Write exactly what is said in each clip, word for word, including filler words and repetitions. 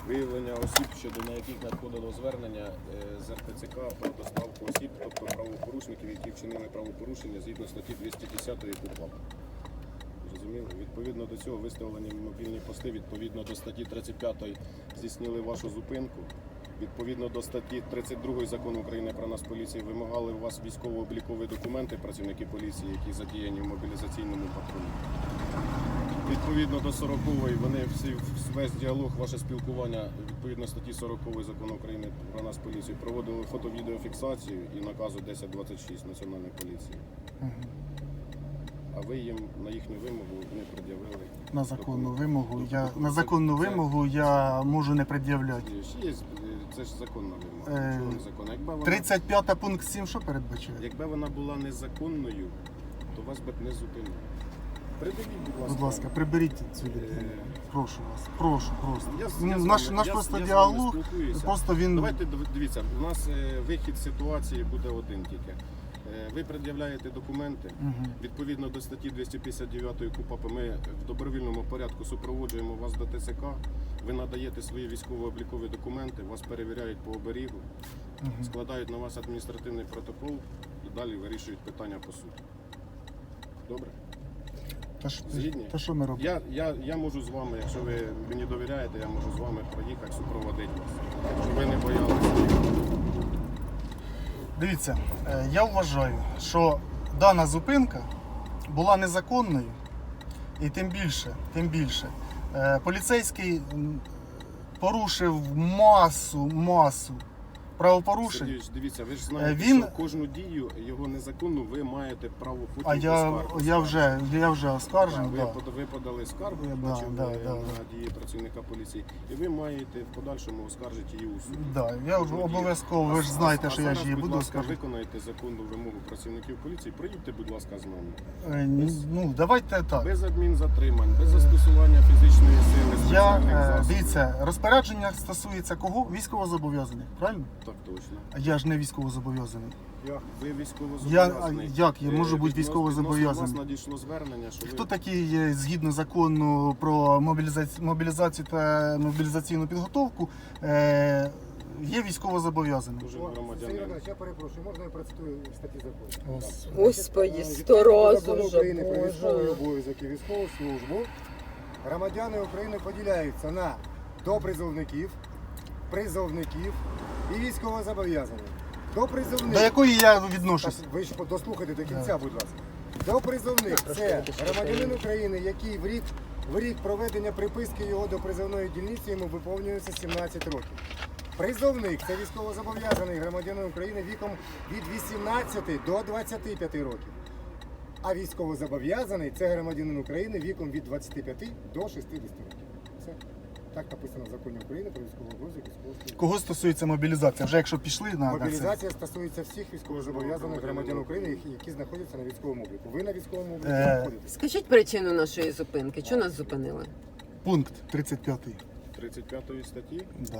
Виявлення осіб, щодо на яких надходило звернення з ер те це ка про доставку осіб, тобто правопорушників, які вчинили правопорушення згідно статті двісті десять КУпАП. Зрозуміло? Відповідно до цього виставлені мобільні пости, відповідно до статті тридцять п'ятої здійснили вашу зупинку. Відповідно до статті тридцять другої Закону України про нас поліції вимагали у вас військово-облікові документи працівники поліції, які задіяні в мобілізаційному патрулі. Відповідно до сорокової вони всі, весь діалог, ваше спілкування, відповідно статті сорокової Закону України про нас поліцію, проводили фото-відеофіксацію і наказу десять двадцять шість Національної поліції. Угу. А ви їм на їхню вимогу не пред'явили. На законну вимогу я на законну вимогу я можу не пред'являти. Є, це ж законна вимога. Е, Чого незаконна? Якби вона, тридцять п'ятий пункт сім що передбачає? якби вона була незаконною, то вас би б не зупинили. Придивіть, будь ласка. Будь ласка, приберіть цю людину. Прошу вас. Прошу просто. Я, я наш вами, наш я, просто я діалог. Просто він. Давайте дивіться, у нас е, вихід з ситуації буде один тільки. Е, ви пред'являєте документи. Угу. Відповідно до статті двісті п'ятдесят дев'ять КУпАП ми в добровільному порядку супроводжуємо вас до те це ка. Ви надаєте свої військово-облікові документи, вас перевіряють по оберігу, угу. складають на вас адміністративний протокол і далі вирішують питання по суду. Добре? Та що, Згідні? та що ми робимо? Я, я, я можу з вами, якщо ви мені довіряєте, я можу з вами проїхати, супроводити вас, щоб ви не боялися. Дивіться, я вважаю, що дана зупинка була незаконною і тим більше, тим більше, поліцейський порушив масу, масу правопорушень. Сергійович, дивіться, ви ж знаєте, Він... що кожну дію його незаконну ви маєте право потім А я, я вже, я вже оскаржив. Ви, да. ви подали скаргу, я да, бачив, да, на да. дії працівника поліції, і ви маєте в подальшому оскаржити її у суді. Да, я обов'язково, ви ж знаєте, а, що а я зараз, ж її будь буду ласка, оскаржити. виконайте законну вимогу працівників поліції, проїдьте, будь ласка, з нами. Е, Без, ну, давайте так. без адмінзатримань, без застосування фізичної сили, Я, спеціальних е, засобів. дивіться, розпорядження стосується кого? Військовозобов'язаних, правильно? Так точно. А я ж не військовозобов'язаний. Як? Ви Я, військовозобов'язаний. а як я можу Е, бути відносно- військовозобов'язаний? відносно вас надійшло звернення, що Хто ви... такий є, згідно закону про мобілізацію, мобілізацію та мобілізаційну підготовку, е, є військовозобов'язаним? Кожен Сергій громадянин. Іванович, я перепрошую, можна я процитую статті закону? Ось. Господи, Е, сто відповідно до разів Закону вже, України про військовий Боже. обов'язок і військову службу громадяни України поділяються на допризовників, призовників і військовозобов'язаних. Допризовник. До якої я відношусь? Ви ж дослухайте до кінця, будь ласка. Допризовник – це громадянин України, який в рік, в рік проведення приписки його до призовної дільниці йому виповнюється сімнадцять років. Призовник – це військовозобов'язаний громадянин України віком від вісімнадцяти до двадцяти п'яти років. А військовозобов'язаний – це громадянин України віком від двадцяти п'яти до шістдесяти років. Все. Так написано в законі України про військовий обов'язок і військову службу. Кого стосується мобілізація? Вже якщо пішли на, на це. Мобілізація стосується всіх військовозобов'язаних громадян України, які- які знаходяться на військовому обліку. Ви на військовому обліку Е, знаходитесь. Скажіть причину нашої зупинки. Чого нас зупинили? Пункт тридцять п'ятий. тридцять п'ятої статті, Да. е,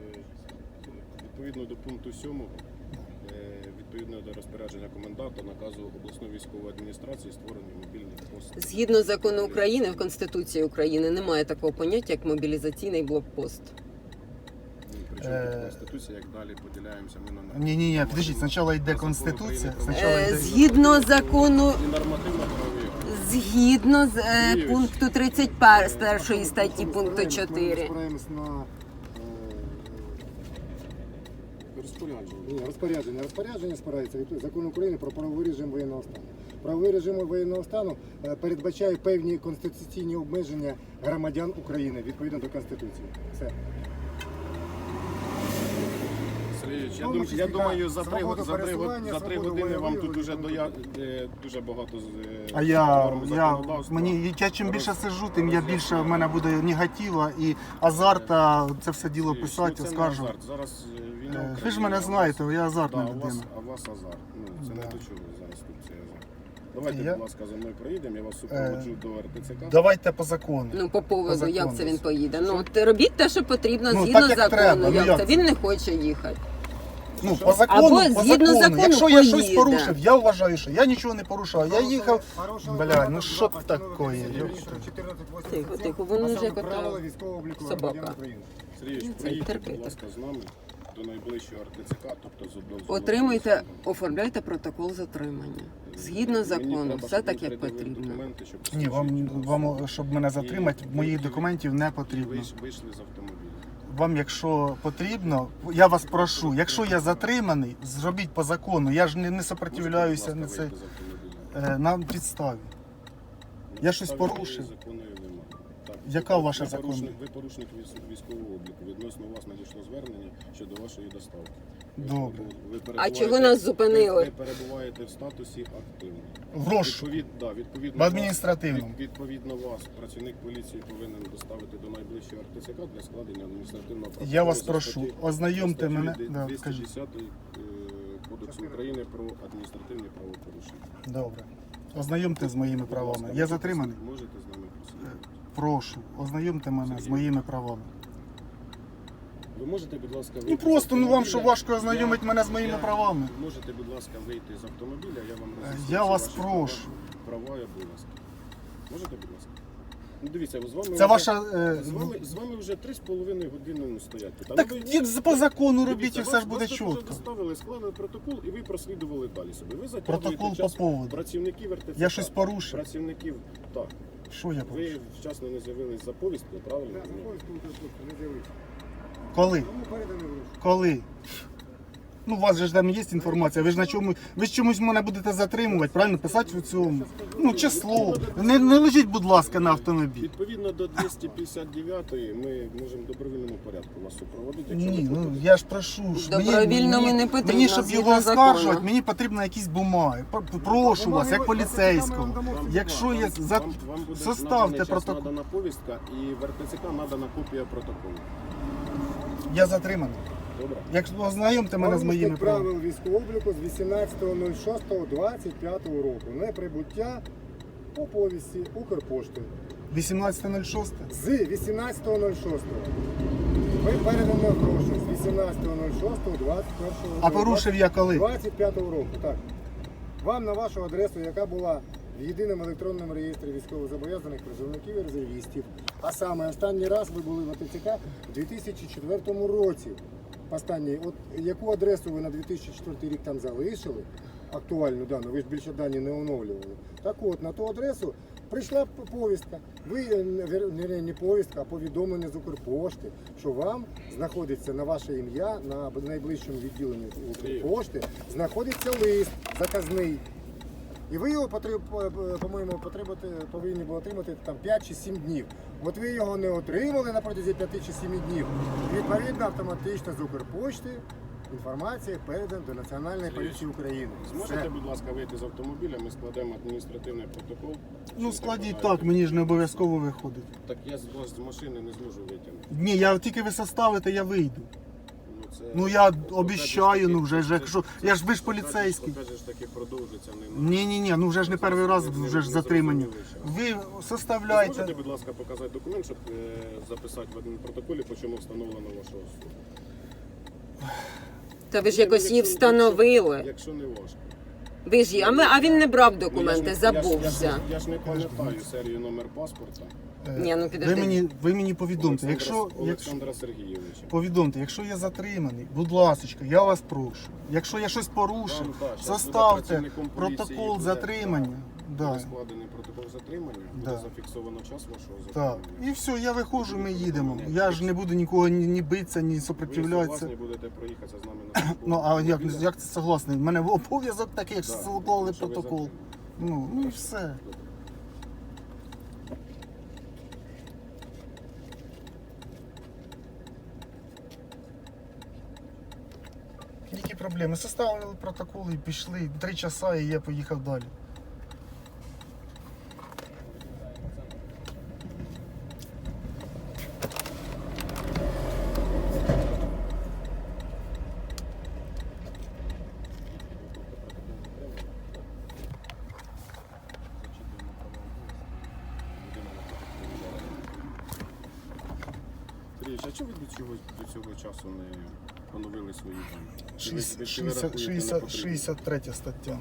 відповідно до пункту сьомого, е, відповідно до розпорядження коменданта, наказу обласної військової адміністрації створені мобільні пости. Згідно закону України, в Конституції України немає такого поняття, як мобілізаційний блокпост. Ну, Причому Е, тут Конституція, як далі поділяємося ми на... Ні, ні, ні, підождіть, спочатку йде Закон Конституція, України про- спочатку Е, йде... Згідно закону, І нормативно-правові. згідно з е, Юрійович. пункту тридцять першої статті пункту Ми чотири. спираємось на е, Розпорядження. ні, розпорядження. Розпорядження спирається від закону України про правовий режим воєнного стану. Правовий режим воєнного стану е, передбачає певні конституційні обмеження громадян України відповідно до Конституції. Все. Сергійович, я, Ну, дум, ми я ж думаю, за три, свободу за три, пересування, за три свободу години вам тут волевиявлення, уже свободу- доя, е, дуже багато з е, А я, норм я, законодавства. мені, я чим більше Роз- сиджу, тим я більше в роз'яснюю. мене буде негатива і азарта це все діло Сергійович, писати, ну, це не оскаржувати. азарт. Зараз е, війна в Е, Ви ж Україні, мене а у знаєте, вас- я азартна да, у вас, людина. а у вас азарт. Ну, це Да. не до чого зараз тут цей азарт. Давайте, Я- будь ласка, за мною проїдемо, я вас супроводжу до ер те це ка. Давайте по закону. Ну, по поводу, По як закону. це він поїде. Ну, от робіть те, що потрібно, Ну, згідно так, як закону. треба, ну, як як це? це? Він не хоче їхати. Ну, Що? по закону, Або по згідно закону. закону Якщо я щось поїде. порушив, я вважаю, що я нічого не порушав. Я їхав. Порушили Бля, правила ну що два таке, постанови ёпта. чотирнадцять вісімдесят сім, Тихо, тихо, воно а вже саме кота правила військового обліку собака. громадян України. Сергійович, Ну, це приїдьте, терпите. будь ласка, з нами до найближчого ар те це ка, тобто з одного з Отримуйте, одного. оформляйте протокол затримання. Згідно Мені закону, треба, все щоб так, ви як придивили потрібно. документи, щоб Ні, вам, посвідчують вам, вас. щоб мене затримати, І моїх ви- документів не І потрібно. вийш- вийшли з автомобіля. Вам, якщо потрібно, я вас прошу, якщо я затриманий, зробіть по закону. Я ж не, не сопротивляюся на Можете, це будь ласка, вийти з автомобіля? е, на підставі. Я щось Підстави порушив? законної немає. Так. Яка Ви ваша порушник- законна? Ви порушник військ- військового обліку. Відносно вас надійшло звернення щодо вашої доставки. Ви Добре. перебу- ви А перебуваєте- чого нас зупинили? Ви, ви перебуваєте в статусі активний. В розшуку. Відповід, да, відповідно, В адміністративному. вас- від- відповідно вас працівник поліції повинен доставити до найближчого ар те це ка для складення адміністративного протоколу. Я вас за прошу, статті- ознайомте за статтю мене. дві- Да, двісті кажіть. десятої е, Кодексу України про адміністративні правопорушення. Добре. Ознайомте з моїми Будь правами. ласка, Я можете- затриманий? Можете з нами просити. Прошу, ознайомте мене з моїми правами. Ви можете, будь ласка, вийти Ну з просто ну вам що автомобіля? важко ознайомити Я- мене з моїми я- правами. Можете, будь ласка, вийти з автомобіля, я вам роз'ясню Я всі вас ваші прошу. Права, права і обов'язки. Можете, будь ласка? Ну дивіться, з вами Це вже- ваша. е, з вами, з вами вже три з половиною години ну, стоять. тут. А Так ви- як по закону робіть Дивіться, і все вас- ж буде вас тут вже чітко. доставили, склали протокол і ви прослідували далі собі. Ви затягуєте Протокол по час поводу. працівників ар те це Я ка. щось порушив. Працівників, так. Що я порушив? Ви вчасно не з'явились за повісткою, правильно? Так, за повістку не з'явився. Коли? Тому переданий в розшук. Коли? Ну, у вас же ж там є інформація, ви ж на чому, ви ж чомусь мене будете затримувати, правильно? Писати у цьому. Ну, число. Не, не лежіть, будь ласка, на автомобіль. Відповідно до двісті п'ятдесят дев'ятої ми можемо в добровільному порядку вас супроводити. Якщо Ні, ви ну хочете. я ж прошу. ж Добровільно ми не потрібно, Мені, щоб згідно його оскаржувати, закону. мені потрібно якісь бумаги. П- Прошу вас, як поліцейського. Вам- Якщо я за... вам, вам буде составте наданий час, протокол. надана повістка і в ар те це ка надана копія протоколу. Я затриманий. Добре? Якщо ознайомте мене з моїми Порушник правами. правил військового обліку з вісімнадцятого шостого двадцять п'ятого року. Неприбуття по повісті Укрпошти. вісімнадцяте шосте. З вісімнадцятого шостого. Ви передані гроші з вісімнадцятого шостого двадцять першого А порушив я коли? двадцять п'ятого року. Так. Вам на вашу адресу, яка була в єдиному електронному реєстрі військовозобов'язаних призовників і резервістів. А саме останній раз ви були в ар те це ка у дві тисячі четвертому році. Останній, от яку адресу ви на дві тисячі четвертий рік там залишили, актуальну дану, ви ж більше дані не оновлювали. Так от, на ту адресу прийшла п- повістка. Ви, е, не, вер- не, не повістка, а повідомлення з Укрпошти, що вам знаходиться на ваше ім'я, на б- найближчому відділенні Укрпошти, знаходиться лист заказний. І ви його потреб, по- по-моєму, потребувати, повинні були отримати там п'ять чи сім днів. От ви його не отримали на протязі п'яти чи семи днів. Відповідно, автоматично з Укрпошти інформація передана до Національної поліції України. Зможете, Все. будь ласка, вийти з автомобіля, ми складемо адміністративний протокол. Ну Що складіть вимагаєте. так, мені ж не обов'язково виходить. Так я з вас з машини не зможу витягнути. Ні, я тільки ви составите, я вийду. Ну, це, Ну, я покажеш обіщаю, таки- ну, вже ж, це- якщо- це- я ж ви ж покажеш- поліцейський. Покажеш, таки продовжиться. Не Ні, ні, ні, ну вже ж не перший раз вже ж затримання. Ви Ви Можете, составляйте. будь ласка, показати документ, щоб е, записати в адмінпротоколі, по чому встановлено вашу особу. Та ви ж якось її Якщо- встановили. Якщо не важко. Ви ж її, а, ми, а він не брав Ну, я документи, ж не- я ж- Я забувся. ж, я ж не пам'ятаю серію номер паспорта. Е, Ні, ну, ви підожди. мені, ви мені повідомте, Олександра, якщо, якщо Олександра Сергійовича. повідомте, якщо я затриманий, будь ласка, я вас прошу. Якщо я щось порушив, Вам, так, щас буде составте працівником поліції, протокол буде, затримання. Буде Да. складений протокол затримання, буде Да. зафіксовано час вашого Так. затримання. І все, я виходжу, ми їдемо. Я ж не буду нікого ні, ні битися, ні Ви сопротивлятися. согласні будете проїхатися з нами на службу Ну а як, автомобіля? як це согласний? У мене обов'язок такий, як Да, склали що ви протокол. затримані. Ну, ну і все. Які проблеми? Составили протокол і пішли. Три часа і я поїхав далі. Сергій, а чого ви до цього, до цього часу не поновили свої дані? Чи ви- шістдесят, чи ви шістдесят, рахуєте шістдесят, непотрібним? шістдесят третя стаття.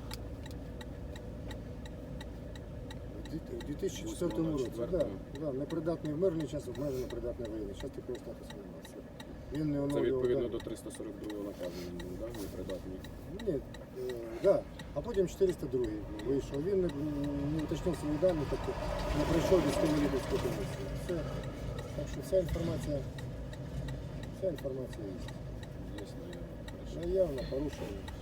У дві тисячі четвертому році, восьмого да, четвертого. да, непридатний в мирний час, обмежено придатний в воєнний час, такого статусу немає. Це- Він не Це оновлював відповідно дані. до триста сорок другого наказу він був, да? Непридатний. Ні, е, да. А потім чотириста другий вийшов. Він не, не уточнив свої дані, тобто не пройшов військово-лікарську комісію. Все. Так що вся інформація, вся інформація є. Є, наявно. Хорошо. Наявно, порушення.